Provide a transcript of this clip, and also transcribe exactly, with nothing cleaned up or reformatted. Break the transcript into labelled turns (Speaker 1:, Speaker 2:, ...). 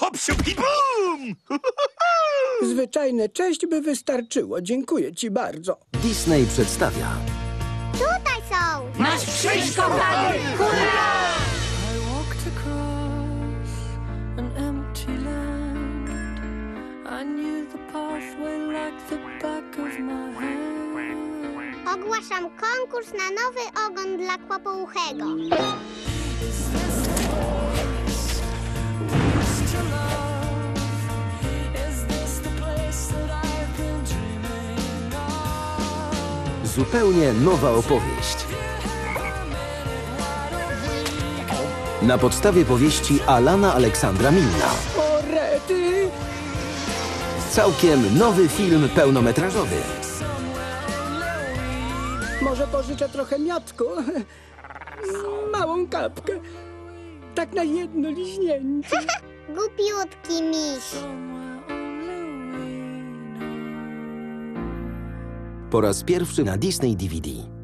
Speaker 1: hop, siup i bum!
Speaker 2: Zwyczajne cześć by wystarczyło. Dziękuję ci bardzo.
Speaker 3: Disney przedstawia
Speaker 4: Tutaj są!
Speaker 5: Nasz przyjść, kochany! Hurra!
Speaker 6: I walked across an empty land. I knew the pathway like the back of my hand.
Speaker 4: Ogłaszam konkurs na nowy ogon dla kłopouchego.
Speaker 3: zupełnie nowa opowieść. Na podstawie powieści Alana Aleksandra Milna.
Speaker 2: O, rety!
Speaker 3: Całkiem nowy film pełnometrażowy.
Speaker 2: Może pożyczę trochę miotku? Małą kapkę. Tak na jedno liźnięcie.
Speaker 4: Głupiutki miś.
Speaker 3: Po raz pierwszy na Disney D V D.